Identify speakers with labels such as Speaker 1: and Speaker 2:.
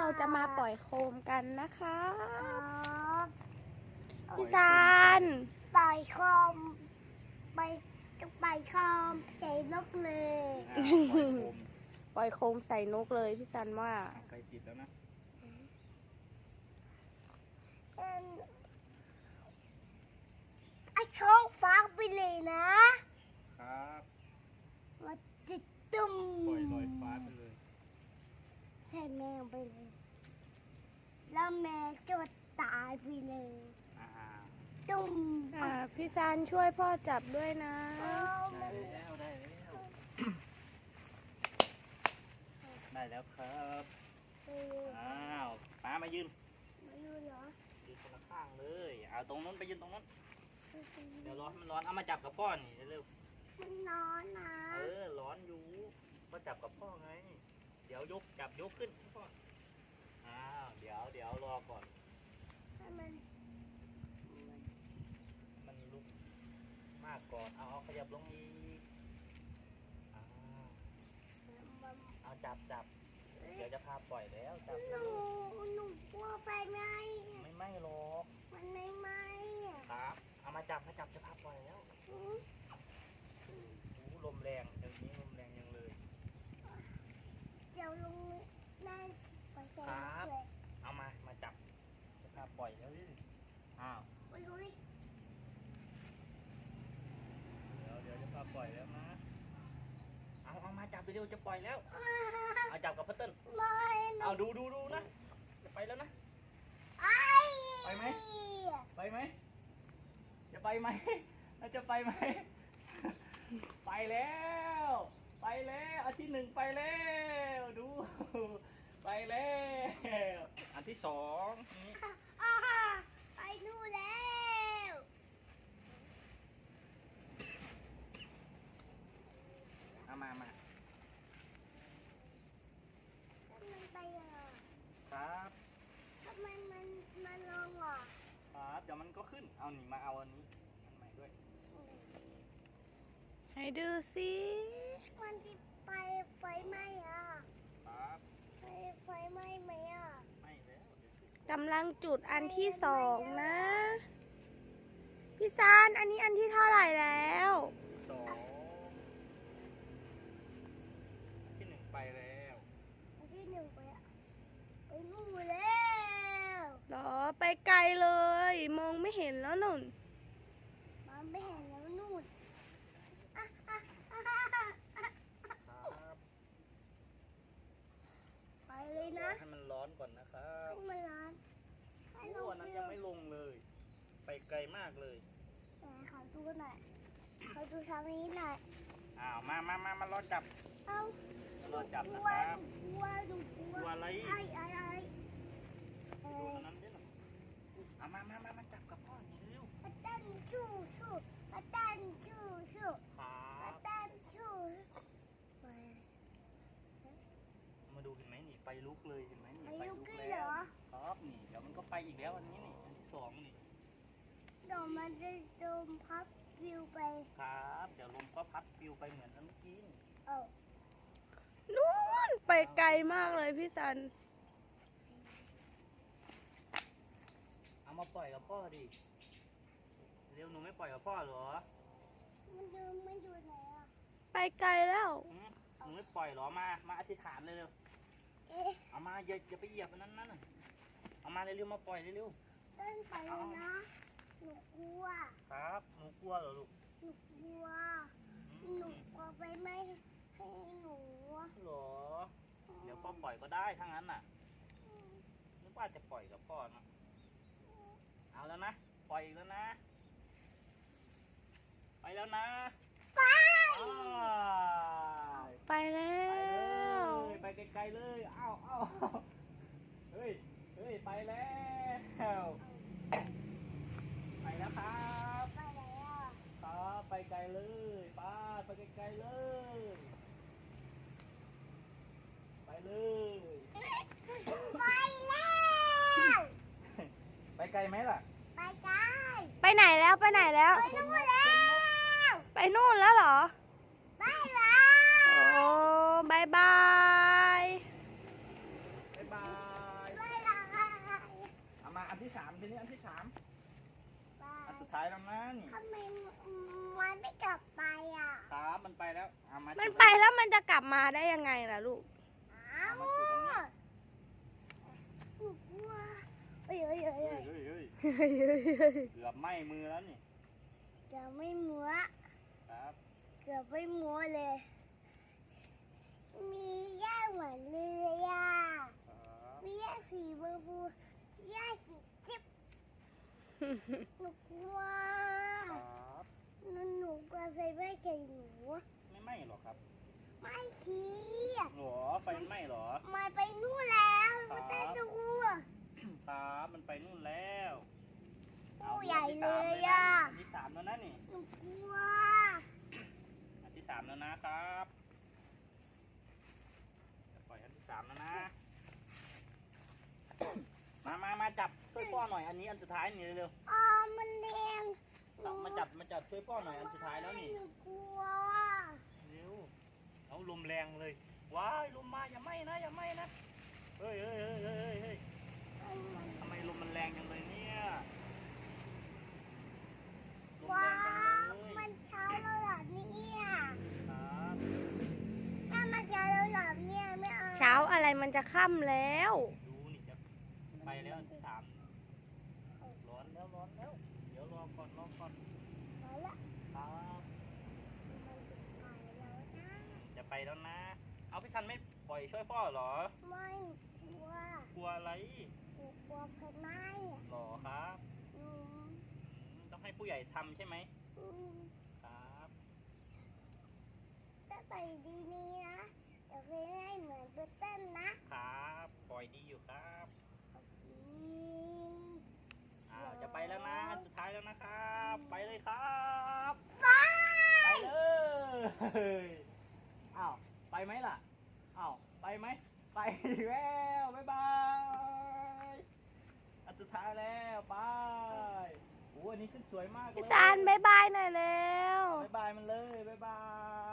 Speaker 1: จะมาปล่อยโคมกันนะคะ
Speaker 2: ครับ
Speaker 1: พี่ซัน
Speaker 2: ปล่อยคอมไปจะปล่อยคอมใส่นกเลย
Speaker 1: ปล่อยโคมใส่นกเลยพี่ซันว่า
Speaker 3: ไกลติดแล้วนะ
Speaker 2: ไอ้ช่องฟ้าไปเลยนะครับ มาติดตุ้ม
Speaker 3: ปล่อยลอยฟ้าไปเลย
Speaker 2: ใช่แมวไปเลย แล้วแมวก็ตายไปเลย
Speaker 3: อ่า
Speaker 2: ตุ้ม
Speaker 1: พี่ซันช่วยพ่อจับด้วยนะ
Speaker 3: ได้แล้วได้แล้วได้แล้วครับอ้าวป้ามายืน
Speaker 2: ไม่รู้เหรอ
Speaker 3: ยืนคนละข้างเลยเอาตรงนู้นไปยืนตรงนู้นเดี๋ยวร้อนมันร้อนเอามาจับกับพ่อนี่เร็ว
Speaker 2: มันนอนนะ
Speaker 3: ร้อนอยู่มาจับกับพ่อไงเดี๋ยวยกจับยกขึ้นพ่ออ้าวเดี๋ยวรอก่อน
Speaker 2: ให้มัน
Speaker 3: มันลุกมากก่อนเอาขยับลงอีกอ้าวเอาจับเดี๋ยวจะพาปล่อยแล้วจับ
Speaker 2: หนูกลัวไฟไหม
Speaker 3: ไม่หรอก
Speaker 2: มันไม่ไหมอ่ะ
Speaker 3: ครับเอามาจับจะพาปล่อยแล้วโอ้ลมแรงเดี๋ยวนี้ลมแรงยังเลย
Speaker 2: เดี๋ยวลุงได้ไปใส่เลย
Speaker 3: เอามาจับจะพาปล่อยแล้วอ้าว
Speaker 2: ไปลุย
Speaker 3: เดี๋ยวจะพาปล่อยแล้วนะเอามาจับไปเร็วจะปล่อยแล้วเอาจับกับพัตเติ้ล
Speaker 2: ไม่
Speaker 3: เอาดูนะจะไปแล้วนะ ไปไหม ไปไหมจะไปไหมแล้วจะไปไหมไปแล้วอันที่หนึ่งไปแล้วดูไปแล้วอันที่สองนี่
Speaker 2: ไปนู่นแล้ว
Speaker 3: เอามา
Speaker 2: มันไปอ่ะ
Speaker 3: ครับ
Speaker 2: ทำไมมันลงอ่ะ
Speaker 3: ครับเดี๋ยวมันก็ขึ้นเอาหนีมาเอาอันนี้อันใหม่ด้วย
Speaker 1: ให้ดูสิ
Speaker 2: มันจะไปไฟไหม้อ่ะ
Speaker 3: ครับ
Speaker 2: ไฟไหม้ไหมอ่ะ
Speaker 3: ไม่แล้วเดี๋ยวสิ
Speaker 1: กำลังจุดอันที่สองนะ พี่ซันอันนี้อันที่เท่าไหร่แล้ว
Speaker 3: สองอันที่หนึ่งไปแล้ว
Speaker 2: อันที่หนึ่งไปอ่ะไปนู่นแล้ว
Speaker 1: เหรอไปไกลเลย มองไม่เห็นแล้วนุ่น
Speaker 2: มันไม่เห็นแล้วนู่น
Speaker 3: ครับ
Speaker 2: ไปเลยนะ
Speaker 3: ให้มันร้อนก่อนนะครับ
Speaker 2: ให้มันร้อนให้ล
Speaker 3: โอ้
Speaker 2: ง
Speaker 3: อันนั้นยังไม่ลงเลย ไปไกลมากเลย
Speaker 2: แต่ขอดูหน่อยขอดูทางนี้หน่อย
Speaker 3: อ้าวมารอจับ
Speaker 2: เอ้าร
Speaker 3: อจับ
Speaker 2: ก
Speaker 3: นะ
Speaker 2: ลัว
Speaker 3: ครับ
Speaker 2: กลัวหนูกลัว
Speaker 3: กลัวอะไร
Speaker 2: ไอ้เอ
Speaker 3: ดู
Speaker 2: อ
Speaker 3: อันนั้นด้วยหน่อยเอามาจับกับพ่อนี่เร็ว
Speaker 2: อาจารย์ชูอาจารย์ชู
Speaker 3: ครั
Speaker 2: อา
Speaker 3: บ
Speaker 2: จารย์ชูไป
Speaker 3: มาดูเห็นไหมนี่ไฟลุกเลยเห็นไหมนี่
Speaker 2: ไป
Speaker 3: ไฟ
Speaker 2: ยุ
Speaker 3: ลุก
Speaker 2: กี้
Speaker 3: แล้
Speaker 2: เหร
Speaker 3: ว
Speaker 2: อ
Speaker 3: ครับนี่เดี๋ยวมันก็ไปอีกแล้วอันนี้นี่อันที่สองนี่
Speaker 2: เดี๋ยวมันจะโดนพับวิวไป
Speaker 3: ครับเดี๋ยวลมก็พัดปลิวไปเหมือนอันเมื่อกี้นี่
Speaker 2: เอ้า
Speaker 1: นู่นไปไกลมากเลยพี่ซัน
Speaker 3: เอามาปล่อยกับพ่อดิเร็วหนูไม่ปล่อยกับพ่อเหรอ
Speaker 2: มันอยู่ไหนอ่ะ
Speaker 1: ไปไกลแล้ว
Speaker 3: หนูไม่ปล่อยเหรอมาอธิษฐานเลยเร็ว
Speaker 2: เอ๊ะ
Speaker 3: เอามาอย่าไปเหยียบอันนั้นน่ะเอามาเร็วๆมาปล่อยเร็ว
Speaker 2: เต้นไปเลยนะหนูกลัว
Speaker 3: ๆครับหนูกลัวเหรอลูก
Speaker 2: หนูกลัว
Speaker 3: อื
Speaker 2: หนู
Speaker 3: ม
Speaker 2: กลัวไปไม่ให้หนู
Speaker 3: เหรอเดี๋ยวพ่อปล่อยก็ได้ทั้งนั้นน่ะนึกว่าจะปล่อยกับพ่อนะเอาแล้วนะปล่อยอีกแล้วนะไปแล้วนะ
Speaker 2: ไป
Speaker 3: อ้าว
Speaker 1: ไปแล้ว
Speaker 3: ไปไกลๆเลยอ้าวเฮ้ยไปแล้ว ไปแล้วครับ
Speaker 2: ไปไหนอ่ะ
Speaker 3: ครับไปไกลเลยไปไกลๆเลย ไปเลย
Speaker 2: ไปแล้ว
Speaker 3: ไปไกลไหมล่ะ
Speaker 2: ไปไกล
Speaker 1: ไปไหนแล้วไปไหนแล้ว
Speaker 2: ไปนู่นแล้ว
Speaker 1: ไปนู่นแล้วเหรอ
Speaker 2: ไปแล้ว
Speaker 1: โอ้บายบาย
Speaker 3: บ๊ายบายแล้วมา
Speaker 1: มันไปแล้วมันจะกลับมาได้ยังไงล่ะลูก
Speaker 2: อ้าวหนูกลัวเฮ้ย
Speaker 3: เกือบไหม้มือแล้วนี่
Speaker 2: เกือบไม่มัว
Speaker 3: ครับ
Speaker 2: เกือบไม่มัวเลย มีหญ้าเหมือนเลยอ่ะ
Speaker 3: ครับ
Speaker 2: มีหญ้าสีชมพูหญ้าสีจิ๊บหนูกลัว
Speaker 3: ครับ
Speaker 2: หนูกลัวไฟไหม้ใส่หนู
Speaker 3: ไม่ไหม้หรอครับ
Speaker 2: ไม่ชี้
Speaker 3: หรอไฟมันไหม้หรอ
Speaker 2: มันไปนู่นแล้วมันเต้นดู
Speaker 3: ครับมันไปนู่นแล้ว
Speaker 2: ผู้ใหญ่เลยอ่ะ
Speaker 3: อันที่ 3แล้วนะนี่
Speaker 2: หนูกลัว
Speaker 3: อันที่ 3แล้วนะครับจะปล่อยอันที่ 3แล้วนะ มาจับช่วยพ่อหน่อยอันนี้อันสุดท้ายนี่เร็ว
Speaker 2: อ๋อมันแดง
Speaker 3: ๆมาจับช่วยพ่อหน่อยอันสุดท้ายแล้วนี่
Speaker 2: หนูกลัว
Speaker 3: เร็วเอาลมแรงเลยว้ายลมมาอย่าไหม้นะอย่าไหม้นะเฮ้ยทำไมลมมันแรงจังเลยเนี่ยลม
Speaker 2: ว้า
Speaker 3: แรงจัง
Speaker 2: ว
Speaker 3: เลย
Speaker 2: มันเช้าแล้วเหรอเนี่ย
Speaker 3: ครับ
Speaker 2: ถ้ามันเช้าแล้วเหรอเนี่ยไม่เอา
Speaker 1: เช้าอะไรมันจะค่ำแล้ว
Speaker 3: ดูนี่จะไปแล้วอันที่ 3ร้อนแล้วเดี๋ยวรอก่อน
Speaker 2: มาละ
Speaker 3: ครับ
Speaker 2: มันจะไปแล้วนะ
Speaker 3: จะไปแล้วนะ เอาพี่ชันไม่ปล่อยช่วยพ่อเหรอ
Speaker 2: ไม่กลัว
Speaker 3: กลัวอะไร
Speaker 2: หนูกลัวไฟไหม้
Speaker 3: หรอครับ
Speaker 2: อืม
Speaker 3: ต้องให้ผู้ใหญ่ทำใช่ไหม
Speaker 2: อืม
Speaker 3: ครับ
Speaker 2: ถ้าใส่ดีนี้นะเดี๋ยวไปให้เหมือนตัวเต้นนะครับ
Speaker 3: ปล่อยดีอยู่ครับ
Speaker 2: อืม
Speaker 3: จะไปแล้วนะอันสุดท้ายแล้วนะครับ ไปเลยครับ
Speaker 2: ไป
Speaker 3: ไปเลยอ้าวไปไหมล่ะอ้าวไปไหมไปอีกแล้วบ๊ายบายอันสุดท้ายแล้วไปโอ้อันนี้ขึ้นสวยมากเลย
Speaker 1: พี่ซานบายบายหน่อยแล้ว
Speaker 3: บ๊ายบายมันเลยบ๊ายบาย